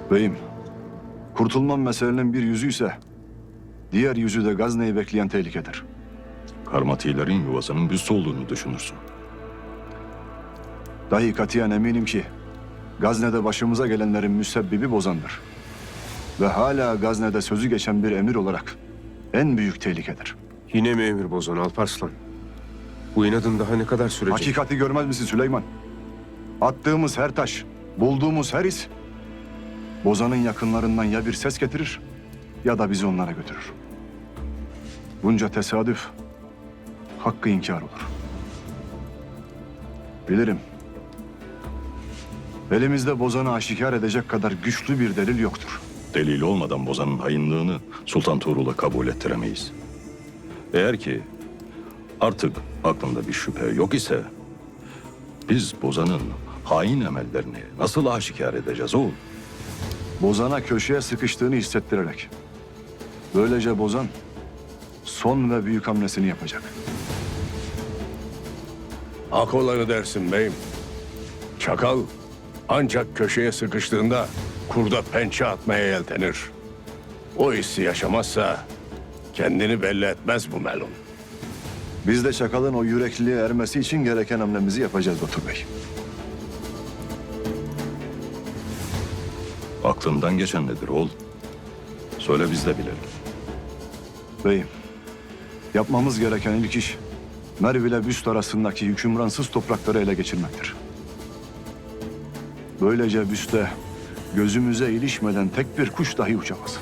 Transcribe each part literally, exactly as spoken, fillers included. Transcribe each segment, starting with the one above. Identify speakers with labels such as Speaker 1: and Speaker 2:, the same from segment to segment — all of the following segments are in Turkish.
Speaker 1: Beyim, kurtulmam meselenin bir yüzü ise diğer yüzü de Gazne'yi bekleyen tehlikedir.
Speaker 2: Karmatilerin yuvasının büstü olduğunu düşünürsün.
Speaker 1: Dahi katiyen eminim ki Gazne'de başımıza gelenlerin müsebbibi Bozan'dır. Ve hala Gazne'de sözü geçen bir emir olarak en büyük tehlikedir.
Speaker 3: Yine mi emir bozan Alparslan? Bu inadın daha ne kadar sürecek?
Speaker 1: Hakikati görmez misin Süleyman? Attığımız her taş, bulduğumuz her iz Bozan'ın yakınlarından ya bir ses getirir ya da bizi onlara götürür. Bunca tesadüf hakkı inkar olur. Bilirim. Elimizde Bozan'ı aşikar edecek kadar güçlü bir delil yoktur.
Speaker 2: Delil olmadan Bozan'ın hainliğini Sultan Tuğrul'a kabul ettiremeyiz. Eğer ki artık aklında bir şüphe yok ise biz Bozan'ın hain emellerini nasıl aşikar edeceğiz oğul?
Speaker 1: Bozan'a köşeye sıkıştığını hissettirerek. Böylece Bozan son ve büyük hamlesini yapacak.
Speaker 4: Hak olanı dersin beyim. Çakal ancak köşeye sıkıştığında kurda pençe atmaya yeltenir. O hissi yaşamazsa kendini belli etmez bu melun.
Speaker 1: Biz de Çakal'ın o yürekliliğe ermesi için gereken hamlemizi yapacağız Batur Bey.
Speaker 2: Aklından geçen nedir oğul? Söyle biz de bilelim.
Speaker 1: Beyim, yapmamız gereken ilk iş Merv ile Büst arasındaki hükümransız toprakları ele geçirmektir. Böylece Büst'te gözümüze ilişmeden tek bir kuş dahi uçamaz.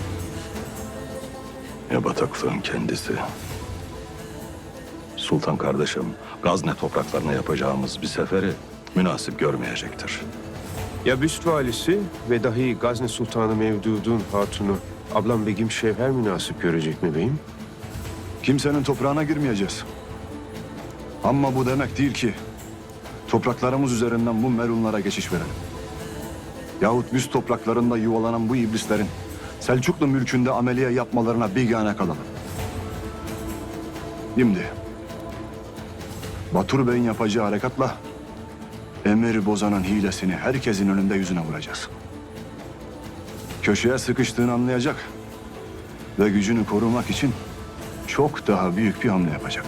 Speaker 2: Ya bataklığın kendisi. Sultan kardeşim, Gazne topraklarına yapacağımız bir seferi münasip görmeyecektir.
Speaker 3: Ya Büst valisi ve dahi Gazne Sultanı Mevdud'un hatunu ablam Begim Şevher münasip görecek mi beyim?
Speaker 1: Kimsenin toprağına girmeyeceğiz. Ama bu demek değil ki topraklarımız üzerinden bu merunlara geçiş verelim. Yahut Büst topraklarında yuvalanan bu iblislerin Selçuklu mülkünde ameliye yapmalarına bigane kalalım. Şimdi Batur Bey'in yapacağı harekatla Emir Bozan'ın hilesini herkesin önünde yüzüne vuracağız. Köşeye sıkıştığını anlayacak ve gücünü korumak için çok daha büyük bir hamle yapacak.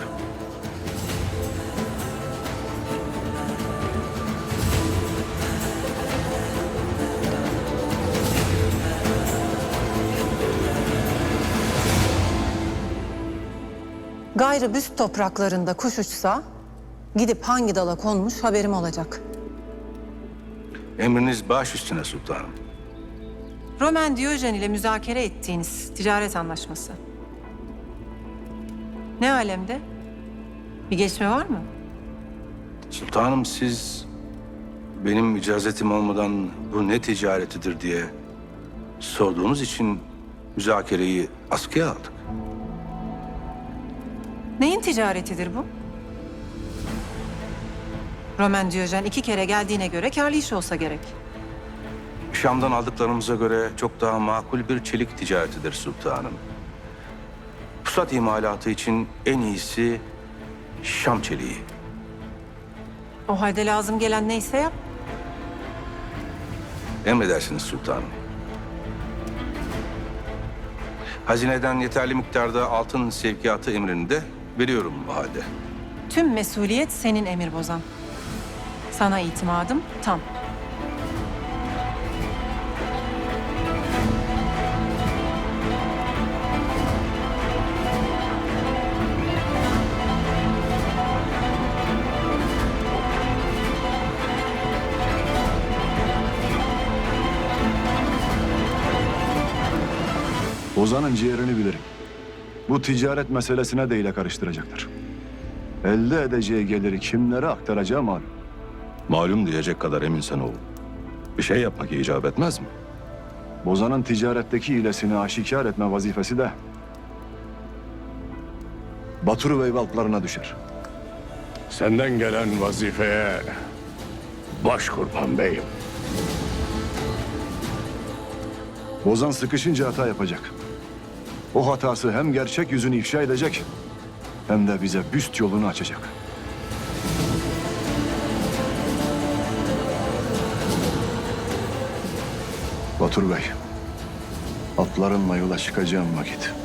Speaker 5: Gayrı Büst topraklarında kuş uçsa gidip hangi dala konmuş haberim olacak.
Speaker 6: Emriniz baş üstüne sultanım.
Speaker 5: Roman Diyojen ile müzakere ettiğiniz ticaret anlaşması. Ne alemde? Bir gelişme var mı?
Speaker 6: Sultanım siz benim icazetim olmadan bu ne ticaretidir diye sorduğunuz için müzakereyi askıya aldık.
Speaker 5: Neyin ticaretidir bu? Roman Diyojen iki kere geldiğine göre kârlı iş olsa gerek.
Speaker 6: Şam'dan aldıklarımıza göre çok daha makul bir çelik ticaretidir sultanım. Pusat imalatı için en iyisi Şam çeliği.
Speaker 5: O halde lazım gelen neyse yap.
Speaker 6: Emredersiniz sultanım. Hazineden yeterli miktarda altın sevkiyatı emrini de veriyorum bu halde.
Speaker 5: Tüm mesuliyet senin Emir Bozan. Sana itimadım tam.
Speaker 1: Bozan'ın ciğerini bilirim. Bu ticaret meselesine de ile karıştıracaktır. Elde edeceği geliri kimlere aktaracağı malum.
Speaker 2: Malum diyecek kadar eminsen oğul. Bir şey yapmak icap etmez mi?
Speaker 1: Bozan'ın ticaretteki hilesini aşikar etme vazifesi de Batur Bey valklarına düşer.
Speaker 4: Senden gelen vazifeye baş kurban beyim.
Speaker 1: Bozan sıkışınca hata yapacak. O hatası hem gerçek yüzünü ifşa edecek hem de bize Büst yolunu açacak. Batur Bey, atlarınla yola çıkacağım vakit